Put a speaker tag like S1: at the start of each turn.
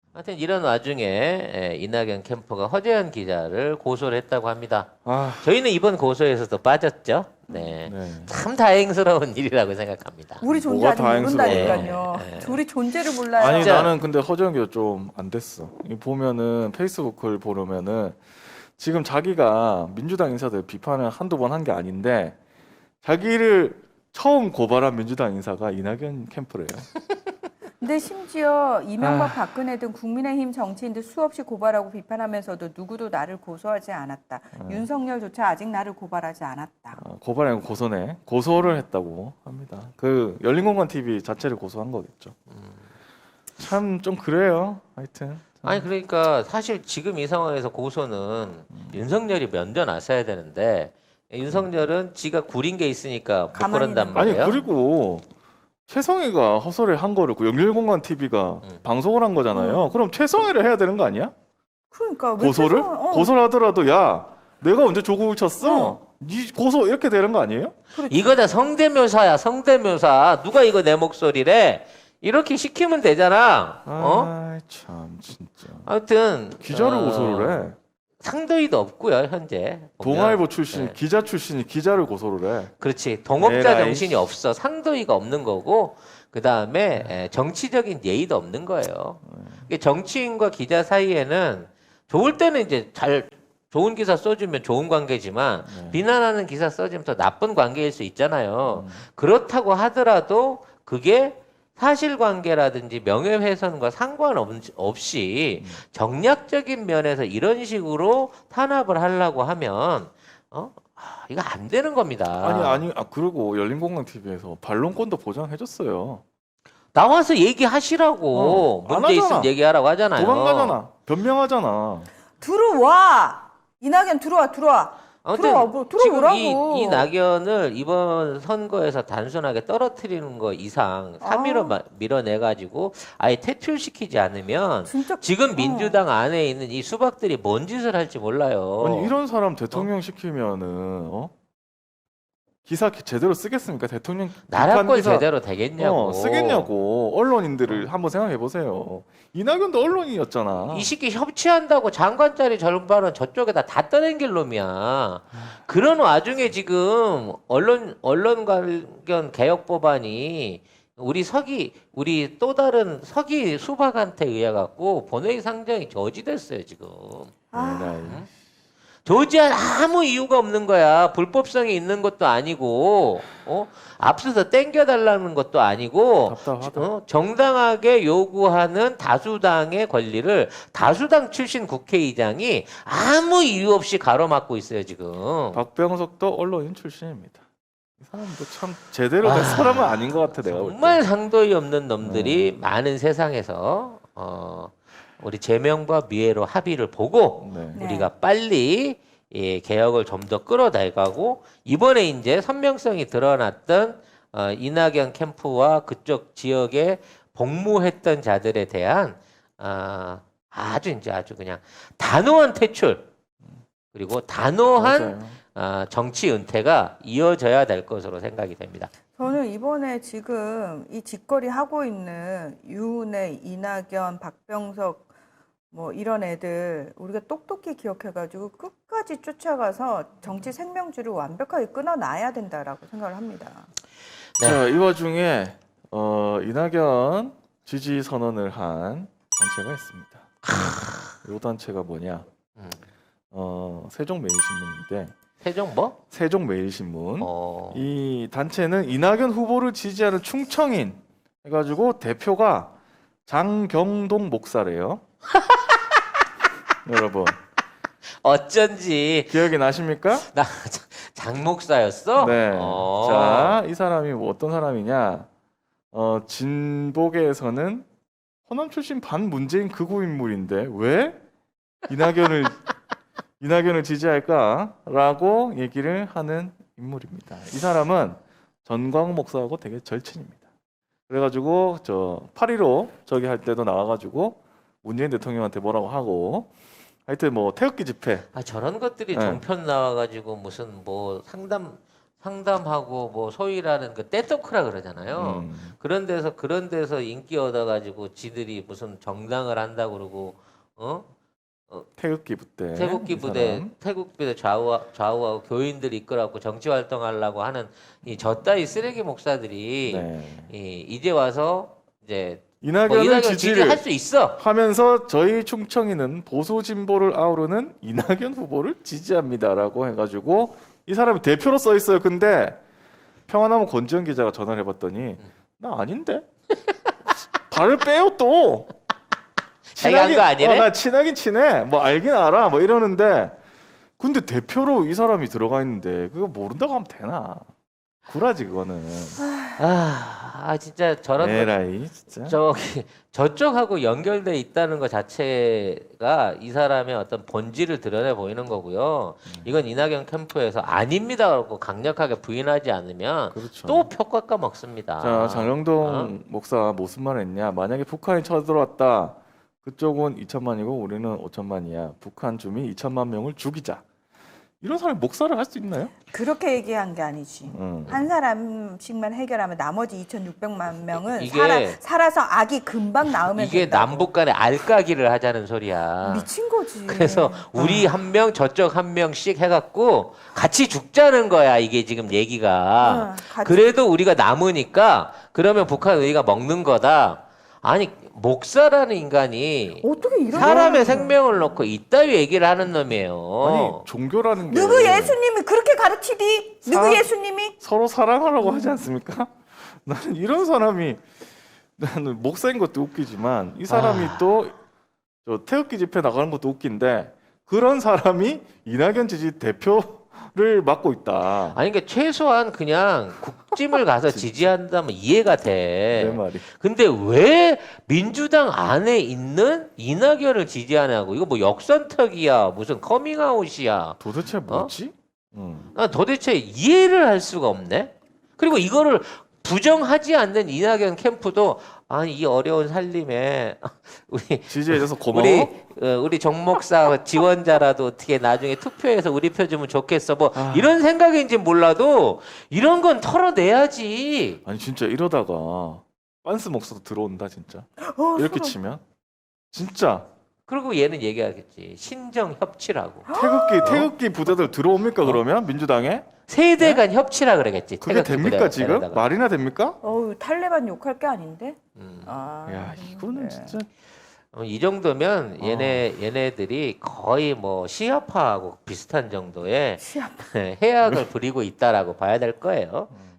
S1: 하여튼 이런 와중에 이낙연 캠프가 허재현 기자를 고소를 했다고 합니다. 저희는 이번 고소에서도 빠졌죠. 네. 참 다행스러운 일이라고 생각합니다.
S2: 우리 존재
S3: 뭐가
S2: 아직
S3: 다행스러워요?
S2: 모른다니까요. 우리 존재를 몰라요.
S3: 아니
S1: 진짜.
S3: 나는 근데 허재현 기자 좀 안 됐어. 이 보면은 페이스북을 보려면은 지금 자기가 민주당 인사들 비판을 한두 번 한 게 아닌데 자기를 처음 고발한 민주당 인사가 이낙연 캠프래요.
S2: 근데 심지어 이명박 박근혜 등 국민의힘 정치인들 수없이 고발하고 비판하면서도 누구도 나를 고소하지 않았다. 윤석열조차 아직 나를 고발하지 않았다.
S3: 고발이 아니고 고소네. 고소를 했다고 합니다. 그 열린공간 TV 자체를 고소한 거겠죠. 참 좀 그래요. 하여튼.
S1: 아니 그러니까 사실 지금 이 상황에서 고소는 윤석열이 먼저 나서야 되는데 윤석열은 지가 구린 게 있으니까 못
S2: 가만히
S1: 그런단
S2: 있는
S3: 아니
S1: 말이에요.
S3: 그리고 최성희가 허설을 한 거를 그 열린공간 TV가 방송을 한 거잖아요. 그럼 최성희를 해야 되는 거 아니야?
S2: 그러니까 왜
S3: 고소를?
S2: 최소한-
S3: 고소를 하더라도 야 내가 언제 조국을 쳤어? 니 고소 이렇게 되는 거 아니에요?
S1: 이거다 성대묘사야 성대묘사. 누가 이거 내 목소리래? 이렇게 시키면 되잖아.
S3: 참 진짜.
S1: 아무튼
S3: 기자를 고소를 해.
S1: 상도이도 없고요 현재. 보면.
S3: 동아일보 출신
S1: 네.
S3: 기자 출신이 기자를 고소를 해.
S1: 그렇지. 동업자
S3: 에라이.
S1: 정신이 없어. 상도이가 없는 거고 그 다음에 정치적인 예의도 없는 거예요. 이게 정치인과 기자 사이에는 좋을 때는 이제 좋은 기사 써주면 좋은 관계지만 비난하는 기사 써주면 더 나쁜 관계일 수 있잖아요. 그렇다고 하더라도 그게 사실관계라든지 명예훼손과 상관없이 정략적인 면에서 이런 식으로 탄압을 하려고 하면 이거 안 되는 겁니다.
S3: 그리고 열린공간 TV에서 반론권도 보장해줬어요.
S1: 나와서 얘기하시라고
S3: 안
S1: 문제
S3: 하잖아.
S1: 있으면 얘기하라고 하잖아요.
S3: 도망가잖아. 변명하잖아.
S2: 들어와. 이낙연 들어와.
S1: 아무튼
S2: 들어오라고.
S1: 지금 이 낙연을 이번 선거에서 단순하게 떨어뜨리는 거 이상 3위로 밀어내가지고 아예 퇴출시키지 않으면
S2: 진짜
S1: 지금 민주당 안에 있는 이 수박들이 뭔 짓을 할지 몰라요.
S3: 아니 이런 사람 대통령 시키면은 기사 제대로 쓰겠습니까? 대통령 비판
S1: 나라권
S3: 기사
S1: 제대로 되겠냐고.
S3: 쓰겠냐고 언론인들을 한번 생각해 보세요. 이낙연도 언론인이었잖아.
S1: 이 시기 협치한다고 장관짜리 절반은 저쪽에다 다 떠넘길 놈이야. 그런 와중에 지금 언론 관련 개혁 법안이 우리 또 다른 서기 수박한테 의해 갖고 본회의 상정이 저지됐어요 지금. 저지할 아무 이유가 없는 거야. 불법성이 있는 것도 아니고, 앞서서 땡겨달라는 것도 아니고,
S3: 답답하다.
S1: 정당하게 요구하는 다수당의 권리를 다수당 출신 국회의장이 아무 이유 없이 가로막고 있어요, 지금.
S3: 박병석도 언론인 출신입니다. 이 사람도 참 제대로 된 사람은 아닌 것 같아 내가 볼 때.
S1: 정말 상도이 없는 놈들이 많은 세상에서, 우리 제명과 미애로 합의를 보고,
S3: 네.
S1: 우리가 빨리 개혁을 좀 더 끌어나가고 이번에 이제 선명성이 드러났던 이낙연 캠프와 그쪽 지역에 복무했던 자들에 대한 아주 그냥 단호한 퇴출 그리고 단호한 정치 은퇴가 이어져야 될 것으로 생각이 됩니다.
S2: 저는 이번에 지금 이 직거리 하고 있는 유은혜, 이낙연, 박병석 뭐 이런 애들 우리가 똑똑히 기억해가지고 끝까지 쫓아가서 정치 생명줄을 완벽하게 끊어놔야 된다라고 생각을 합니다.
S1: 네.
S3: 자, 이 와중에 이낙연 지지 선언을 한 단체가 있습니다. 이 단체가 뭐냐? 세종매일신문인데
S1: 세종 뭐?
S3: 세종매일신문. 이 단체는 이낙연 후보를 지지하는 충청인 해가지고 대표가 장경동 목사래요. 여러분
S1: 어쩐지
S3: 기억이 나십니까?
S1: 나 장목사였어?
S3: 네. 자, 이 사람이 뭐 어떤 사람이냐? 진보계에서는 호남 출신 반문재인 극우 인물인데 왜 이낙연을 지지할까라고 얘기를 하는 인물입니다. 이 사람은 전광훈 목사하고 되게 절친입니다. 그래가지고 저 8.15 저기 할 때도 나와가지고 문재인 대통령한테 뭐라고 하고 하여튼 뭐 태극기 집회
S1: 저런 것들이
S3: 네.
S1: 종편 나와가지고 무슨 뭐 상담하고 뭐 소위라는 그 떼토크라 그러잖아요. 그런 데서 인기 얻어가지고 지들이 무슨 정당을 한다고 그러고
S3: 태극기 부대.
S1: 태극기
S3: 이
S1: 부대
S3: 사람.
S1: 태극 부대 좌우하고 교인들 이끌어갖고 정치 활동하려고 하는 이 저따위 쓰레기 목사들이
S3: 네.
S1: 이제 와서 이제 뭐
S3: 이낙연을
S1: 이낙연
S3: 지지를
S1: 지지할 수 있어.
S3: 하면서 저희 충청이는 보수 진보를 아우르는 이낙연 후보를 지지합니다라고 해가지고 이 사람이 대표로 써 있어요. 근데 평화나무 권지현 기자가 전화를 해봤더니 나 아닌데 발을 빼요 또.
S1: 자기가 한거 아니래?
S3: 나 친하긴 친해. 뭐 알긴 알아. 뭐 이러는데 근데 대표로 이 사람이 들어가 있는데 그거 모른다고 하면 되나? 구라지 그거는.
S1: 진짜 저런 거
S3: 에라이 진짜.
S1: 저쪽하고 연결돼 있다는 것 자체가 이 사람의 어떤 본질을 드러내 보이는 거고요. 이건 이낙연 캠프에서 아닙니다라고 강력하게 부인하지 않으면
S3: 그렇죠.
S1: 또 표깎아 먹습니다.
S3: 자, 장영동 목사 무슨 말 했냐? 만약에 북한이 쳐들어왔다. 그쪽은 2천만이고 우리는 5천만이야. 북한 주민 2천만 명을 죽이자. 이런 사람이 목사를 할 수 있나요?
S2: 그렇게 얘기한 게 아니지. 한 사람씩만 해결하면 나머지 2,600만 명은
S1: 이게-
S2: 살아서 악이 금방 나으면
S1: 이게
S2: 된다고.
S1: 남북 간에 알까기를 하자는 소리야.
S2: 미친 거지.
S1: 그래서 우리 한 명 저쪽 한 명씩 해갖고 같이 죽자는 거야. 이게 지금 얘기가.
S2: 같이-
S1: 그래도 우리가 남으니까 그러면 북한 우리가 먹는 거다. 아니 목사라는 인간이
S2: 어떻게 이런
S1: 사람의 생명을 놓고 이따위 얘기를 하는 놈이에요.
S3: 아니 종교라는 게
S2: 누구 예수님이 그렇게 가르치디? 누구
S3: 사-
S2: 예수님이?
S3: 서로 사랑하라고 하지 않습니까? 나는 이런 사람이 나는 목사인 것도 웃기지만 이 사람이 또 저 태극기 집회 나가는 것도 웃긴데 그런 사람이 이낙연 지지 대표를 맡고 있다.
S1: 아니 그러니까 최소한 그냥 국짐을 가서 지지한다면 이해가
S3: 내
S1: 돼.
S3: 말이.
S1: 근데 왜 민주당 안에 있는 이낙연을 지지하냐고. 이거 뭐 역선택이야. 무슨 커밍아웃이야.
S3: 도대체 뭐지?
S1: 난 도대체 이해를 할 수가 없네. 그리고 이거를 부정하지 않는 이낙연 캠프도 아니 이 어려운 살림에 우리
S3: 지지해줘서 고마워.
S1: 우리 정 목사 지원자라도 어떻게 나중에 투표해서 우리 표 주면 좋겠어. 뭐
S3: 아.
S1: 이런 생각인지 몰라도 이런 건 털어내야지.
S3: 아니 진짜 이러다가 빤스 목사도 들어온다 진짜. 이렇게 치면 진짜
S1: 그리고 얘는 얘기하겠지. 신정 협치라고.
S3: 태극기 부대들 들어옵니까 그러면 민주당에?
S1: 세대 간 협치라 그러겠지.
S3: 그게
S1: 태극기
S3: 됩니까
S1: 부대가
S3: 지금?
S1: 데려다가.
S3: 말이나 됩니까?
S2: 어우 탈레반 욕할 게 아닌데.
S3: 야 이거는 진짜
S1: 이 정도면 얘네들이 거의 뭐 시아파하고 비슷한 정도의
S2: 시합.
S1: 해악을 부리고 있다라고 봐야 될 거예요.